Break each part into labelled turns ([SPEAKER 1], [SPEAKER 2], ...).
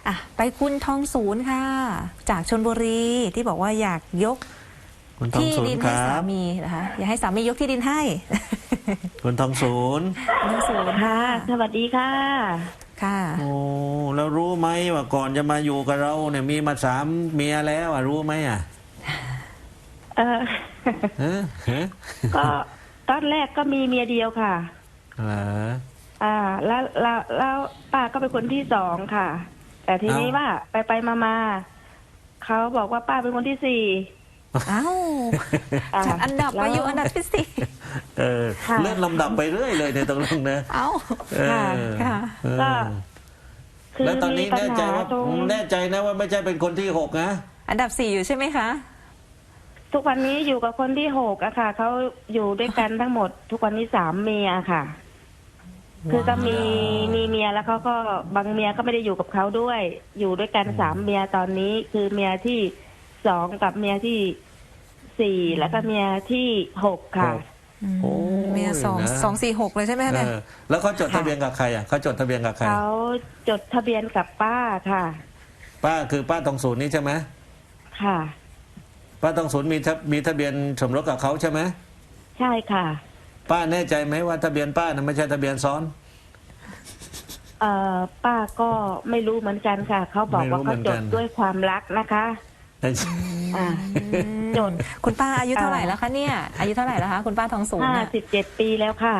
[SPEAKER 1] ไปคุณทองศูนย์ค่ะจากชลบุรีที่บอกว่าอยากยกที่ดินให้สามีนะคะอยากให้สามียกที่ดินให้
[SPEAKER 2] คุณทองศูนย์
[SPEAKER 3] ค่ะสวัสดีค่ะ
[SPEAKER 1] ค่ะ
[SPEAKER 2] โอ้แล้วรู้ไหมว่าก่อนจะมาอยู่กับเราเนี่ยมีมา3 เมียแล้วรู้ไหม
[SPEAKER 3] ก็ตอนแรกก็มีเมียเดียวค่ะแล้วป้าก็เป็นคนที่2ค่ะแต่ทีนี้ว่าไปมาเขาบอกว่าป้าเป็นคนที่4
[SPEAKER 1] จากอันดับมาอยู่อันดับที่
[SPEAKER 2] 4เลื่อนลำดับไปเรื่อยเลยในตรงนั้นนะ
[SPEAKER 1] ค่ะ
[SPEAKER 3] ก็
[SPEAKER 2] แล้วตอนนี้แน่ใจนะว่าไม่ใช่เป็นคนที่6นะ
[SPEAKER 1] อันดับ4อยู่ใช่ไหมคะ
[SPEAKER 3] ทุกวันนี้อยู่กับคนที่6อะค่ะเขาอยู่ด้วยกันทั้งหมดทุกวันนี้3 เมียค่ะคือก็มีเมียแล้วเขาก็บางเมียก็ไม่ได้อยู่กับเขาด้วยอยู่ด้วยกัน3 เมียตอนนี้คือเมียที่2กับเมียที่4แล้วก็เมียที่6ค่ะ
[SPEAKER 1] เมีย2 4 6เลยใช่ไหมคะ
[SPEAKER 2] แล้วเขาจดทะเบียนกับใครเขาจดทะเบียนกับใคร
[SPEAKER 3] เขาจดทะเบียนกับป้าค่ะ
[SPEAKER 2] ป้าคือป้าทองศูนย์นี่ใช่ไหม
[SPEAKER 3] ค่ะ
[SPEAKER 2] ป้าทองศูนย์มีทะเบียนสมรสกับเขาใช่ไหม
[SPEAKER 3] ใช่ค่ะ
[SPEAKER 2] ป้าแน่ใจไหมว่าทะเบียนป้านั้นไม่ใช่ทะเบียนซ้อน
[SPEAKER 3] ป้าก็ไม่รู้เหมือนกันค่ะเขาบอกว่าเขาจดด้วยความรักนะคะ
[SPEAKER 1] จดคุณป้าอายุเท่าไหร่แล้วคะเนี่ยอายุเท่าไหร่แล้วคะคุณป้าทองศูนย์
[SPEAKER 3] 57 ปีแล้วค่ะ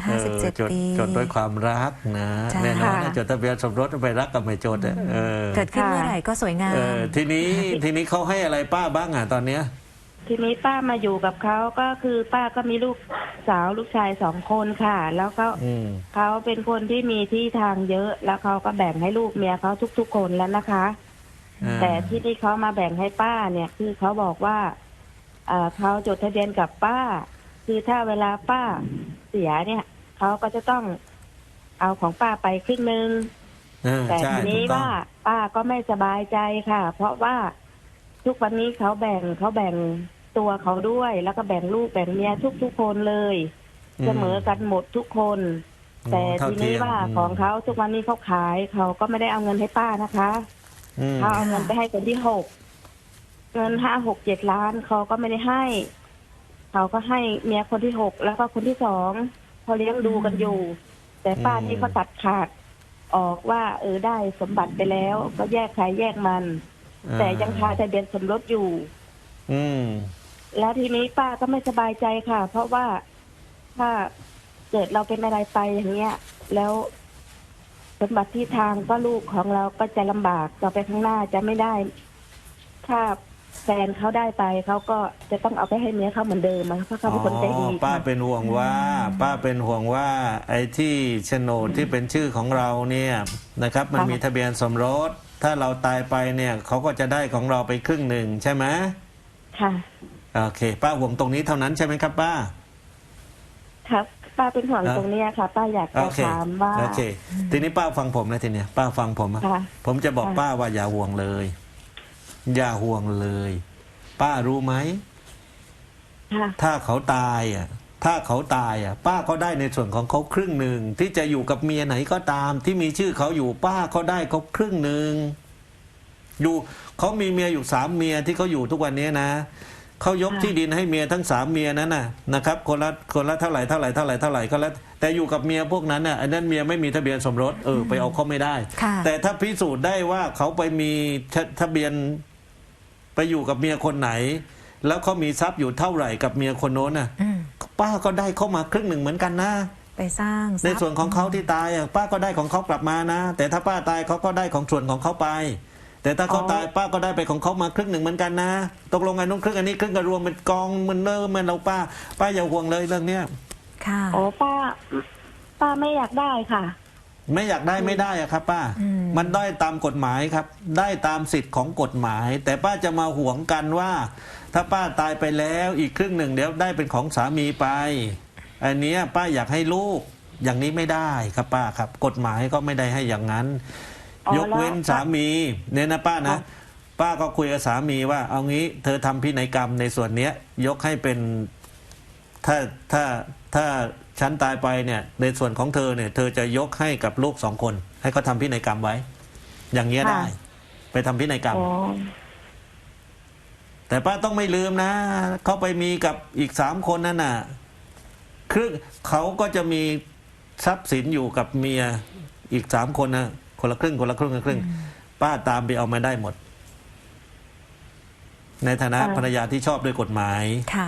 [SPEAKER 1] 57 ปี
[SPEAKER 2] จดด้วยความรักนะแน่นอนจดทะเบียนสมรสไปรักกับไม่จด
[SPEAKER 1] เกิดขึ้นเมื่อไหร่ก็สวยงาม
[SPEAKER 2] ทีนี้เขาให้อะไรป้าบ้างตอนเนี้ย
[SPEAKER 3] ทีนี้ป้ามาอยู่กับเขาก็คือป้าก็มีลูกสาวลูกชาย2 คนค่ะแล้วก็เขาเป็นคนที่มีที่ทางเยอะแล้วเขาก็แบ่งให้ลูกเมียเขาทุกๆคนแล้วนะคะแต่ที่เขามาแบ่งให้ป้าเนี่ยคือเขาบอกว่าเขาจดทะเบียนกับป้าคือถ้าเวลาป้าเสียเนี่ยเขาก็จะต้องเอาของป้าไปครึ่งนึงแต่ทีนี้ว่าป้าก็ไม่สบายใจค่ะเพราะว่าทุกวันนี้เขาแบ่งตัวเขาด้วยแล้วก็แบ่งลูกแบ่งเมียทุกคนเลยเสมอกันหมดทุกคนแต่ทีนี้ว่าของเขาทุกวันนี้เขาขายเขาก็ไม่ได้เอาเงินให้ป้านะคะเขาเอาเงินไปให้คนที่6เงิน5-6-7 ล้านเขาก็ไม่ได้ให้เขาก็ให้เมียคนที่6แล้วก็คนที่2เขาเลี้ยงดูกันอยู่แต่ป้านี่เขาตัดขาดออกว่าได้สมบัติไปแล้วก็แยกใครแยกมันแต่ยังคาทะเบียนสมรสอยู่แล้วทีนี้ป้าก็ไม่สบายใจค่ะเพราะว่าถ้าเกิดเราเป็นอะไรไปอย่างเงี้ยแล้วสมบัติที่ทางก็ลูกของเราก็จะลำบากต่อไปข้างหน้าจะไม่ได้ถ้าแฟนเขาได้ไปเขาก็จะต้องเอาไปให้เมียเขาเหมือนเดิมเพราะเขาเป็นคนใจดี
[SPEAKER 2] ป้าเป็นห่วงว่าไอ้ที่โฉนดที่เป็นชื่อของเราเนี่ยนะครับมันมีทะเบียนสมรสถ้าเราตายไปเนี่ยเขาก็จะได้ของเราไปครึ่งหนึ่งใช่ไหม
[SPEAKER 3] ค่ะ
[SPEAKER 2] โอเคป้าห่วงตรงนี้เท่านั้นใช่ไหมครับป้า
[SPEAKER 3] ครับป้าเป็นห่วงตรงนี้ค่ะป้าอยากจะถามว่า
[SPEAKER 2] โอเคทีนี้ป้าฟังผมนะทีเนี้ยป้าฟังผมจะบอกป้าว่าอย่าห่วงเลยอย่าห่วงเลยป้ารู้ไหมถ้าเขาตายป้าก็ได้ในส่วนของเขาครึ่งหนึ่งที่จะอยู่กับเมียไหนก็ตามที่มีชื่อเขาอยู่ป้าเขาได้เขาครึ่งหนึ่งอยู่เขามีเมียอยู่3 เมียที่เขาอยู่ทุกวันนี้นะเขายกที่ดินให้เมียทั้ง3 เมียนั้นนะครับคนละเท่าไหร่ก็แล้วแต่อยู่กับเมียพวกนั้นอันนั้นเมียไม่มีทะเบียนสมรสไปเอาเขาไม่ได้แต่ถ้าพิสูจน์ได้ว่าเขาไปมีทะเบียนไปอยู่กับเมียคนไหนแล้วเขามีทรัพย์อยู่เท่าไหร่กับเมียคนโน้นป้าก็ได้เข้ามาครึ่งหนึ่งเหมือนกันนะ
[SPEAKER 1] ไปสร้าง
[SPEAKER 2] ในส่วนของเขาที่ตายป้าก็ได้ของเขากลับมานะแต่ถ้าป้าตายเขาก็ได้ของส่วนของเขาไปแต่ถ้าเขาตายป้าก็ได้ไปของเขามาครึ่งหนึ่งเหมือนกันนะตกลงกันนู้นครึ่งอันนี้ครึ่งก็รวมเป็นกองมันเราป้าอย่าห่วงเลยเรื่องเนี้ย
[SPEAKER 1] ค่ะ
[SPEAKER 3] ป้าไม่อยากได้ค่ะ
[SPEAKER 2] ไม่อยากได้ไม่ได้ครับป้ามันได้ตามกฎหมายครับได้ตามสิทธิ์ของกฎหมายแต่ป้าจะมาห่วงกันว่าถ้าป้าตายไปแล้วอีกครึ่งหนึ่งเดี๋ยวได้เป็นของสามีไปอันนี้ป้าอยากให้ลูกอย่างนี้ไม่ได้ครับป้าครับกฎหมายก็ไม่ได้ให้อย่างนั้นยกเว้นสามีเนี่ยนะป้านะป้าก็คุยกับสามีว่าเอางี้เธอทำพินัยกรรมในส่วนนี้ยกให้เป็นถ้าฉันตายไปเนี่ยในส่วนของเธอเนี่ยเธอจะยกให้กับลูก2 คนให้เขาทำพินัยกรรมไว้อย่างเงี้ย
[SPEAKER 3] ค่ะ
[SPEAKER 2] ได้ ไปทำพินัยกรรม
[SPEAKER 3] อ๋อ
[SPEAKER 2] แต่ป้าต้องไม่ลืมนะเขาไปมีกับอีก3 คนนั่นน่ะครึ่งเขาก็จะมีทรัพย์สินอยู่กับเมียอีก3 คนนะคนละครึ่งคนละครึ่งคนละครึ่งป้าตามไปเอามาได้หมด ในฐานะภรรยาที่ชอบด้วยกฎหมาย
[SPEAKER 1] ค่ะ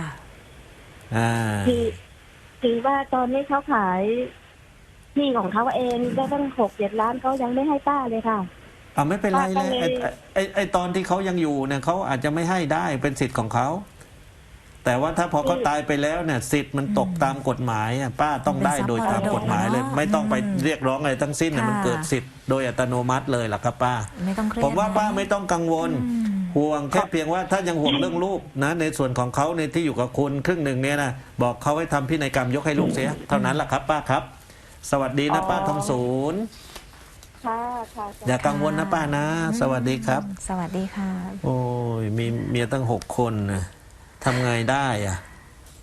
[SPEAKER 3] คือว่าตอนนี้เขาขายที่ของเขาเองได้ตั้ง6-7 ล้านเขายังไม่ให้ป้าเลยค่ะ
[SPEAKER 2] เอาไม่เป็นไรเลย
[SPEAKER 3] ป้าก็เลย
[SPEAKER 2] ไอ้ตอนที่เขายังอยู่เนี่ยเขาอาจจะไม่ให้ได้เป็นสิทธิ์ของเขาแต่ว่าถ้าพอเขาตายไปแล้วเนี่ยสิทธิ์มันตกตามกฎหมายอ่ะป้าต้องได้โดยตามกฎหมายเลย ไม่ต้องไปเรียกร้องอะไรทั้งสิ้นน่ะมันเกิดสิทธิ์โดยอัตโนมัติเลยล่ะครับป้า
[SPEAKER 1] ไม่ต้องเครียด
[SPEAKER 2] ผมว่า
[SPEAKER 1] นะ
[SPEAKER 2] ป้าไม่ต้องกังวล ห่วงแค่เพียงว่าถ้ายังห่วงเรื่องลูกนะในส่วนของเขาในที่อยู่กับคุณครึ่งหนึ่งเนี่ยนะบอกเขาให้ทำพินัยกรรมยกให้ลูกเสียเท่านั้นแหละครับป้าครับ สวัสดีนะป้าทองศูนย์
[SPEAKER 3] ค่ะค่ะ
[SPEAKER 2] อย่ากังวลนะป้านะ สวัสดีครับ
[SPEAKER 1] สวัสดีค่ะ
[SPEAKER 2] โอ้ยมีเมียตั้ง6 คนนะทำไงได้อะ